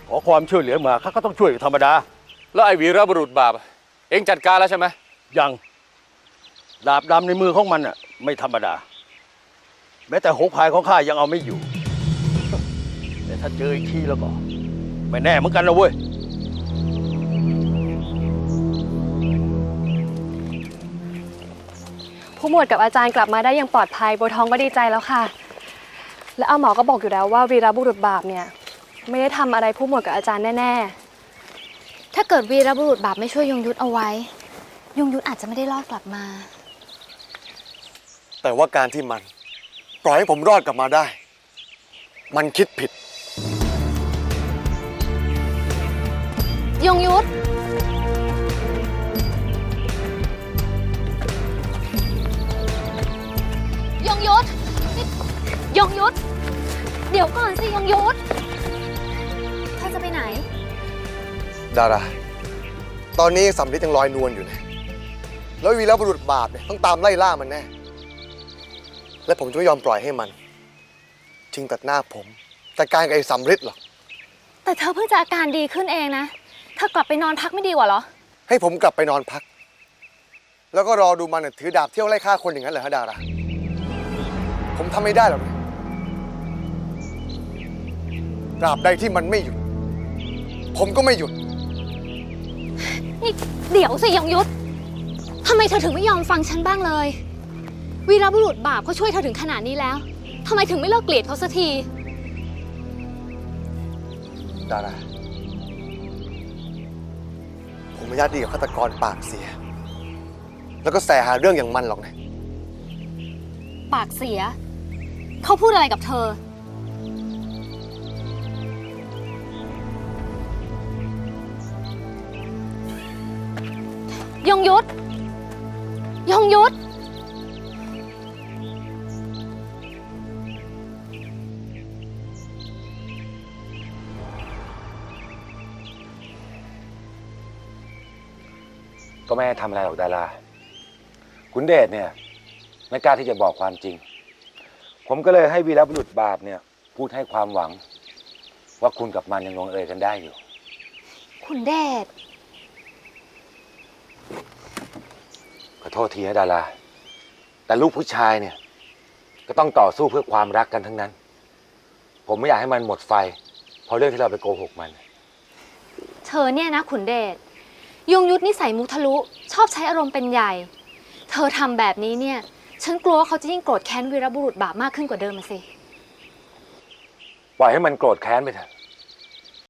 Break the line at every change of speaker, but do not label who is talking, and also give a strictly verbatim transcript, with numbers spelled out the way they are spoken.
ขอความช่วยเหลือมาข้าก็ต้องช่วยธรรมดา
แล้วไอ้วีรบุรุษบาปเอ็งจัดการแล้วใช่ไหม
ยังดาบดำในมือของมันอ่ะไม่ธรรมดาแม้แต่หกพายของข้ายังเอาไม่อยู่แต่ถ้าเจออีกทีแล้วก็ไม่แน่เหมือนกันนะเว้ย
ผู้หมวดกับอาจารย์กลับมาได้อย่างปลอดภัยบัวทองก็ดีใจแล้วค่ะและอาหมอก็บอกอยู่แล้วว่าวีรบุรุษบาปเนี่ยไม่ได้ทำอะไรผู้หมวดกับอาจารย์แน่
ๆถ้าเกิดวีรบุรุษบาปไม่ช่วยยงยุทธเอาไว้ยงยุทธอาจจะไม่ได้รอดกลับมา
แต่ว่าการที่มันปล่อยให้ผมรอดกลับมาได้มันคิดผิด
ยงยุทธยงยุทธยงยุทธเดี๋ยวก่อนสิยงยุทธเธอจะไปไหน
ดาราตอนนี้สำลิดยังลอยนวลอยู่นะแล้ววีรบุรุษบาปเนี่ยต้องตามไล่ล่ามันแน่และผมจะไม่ยอมปล่อยให้มันชิงตัดหน้าผมแต่การกับไอ้สำลิดหรอก
แต่เธอเพิ่งจะอาการดีขึ้นเองนะเธอกลับไปนอนพักไม่ดีกว่าเหรอ
ให้ผมกลับไปนอนพักแล้วก็รอดูมันถือดาบเที่ยวไล่ฆ่าคนอย่างนั้นเหรอฮะดาราผมทำไม่ได้หรอกตราบใดที่มันไม่หยุดผมก็ไม่หยุด
นี่เดี๋ยวสิยงยุทธทำไมเธอถึงไม่ยอมฟังฉันบ้างเลยวีรบุรุษบาปเขาช่วยเธอถึงขนาดนี้แล้วทำไมถึงไม่เลิกเกลียดเขาสักที
ดาราผมไม่ญาติดีกับฆาตกรปากเสียแล้วก็แสหาเรื่องอย่างมันหรอกนะ
ปากเสียเขาพูดอะไรกับเธอยงยุทธยงยุทธ
ก็ไม่ให้ทำอะไรหรอกดาราขุนเดชเนี่ยไม่กล้าที่จะบอกความจริงผมก็เลยให้วีรบุรุษบาปเนี่ยพูดให้ความหวังว่าคุณกับมันยังลงเอยกันได้อยู่
ขุนเดช
ขอโทษทีนะดาราแต่ลูกผู้ชายเนี่ยก็ต้องต่อสู้เพื่อความรักกันทั้งนั้นผมไม่อยากให้มันหมดไฟเพราะเรื่องที่เราไปโกหกมัน
เธอเนี่ยนะขุนเดชยงยุทธนิสัยมุทะลุชอบใช้อารมณ์เป็นใหญ่เธอทำแบบนี้เนี่ยฉันกลัวว่าเขาจะยิ่งโกรธแค้นวีรบุรุษบาปมากขึ้นกว่าเดิมสิ
ปล่อยให้มันโกรธแค้นไปเถอะ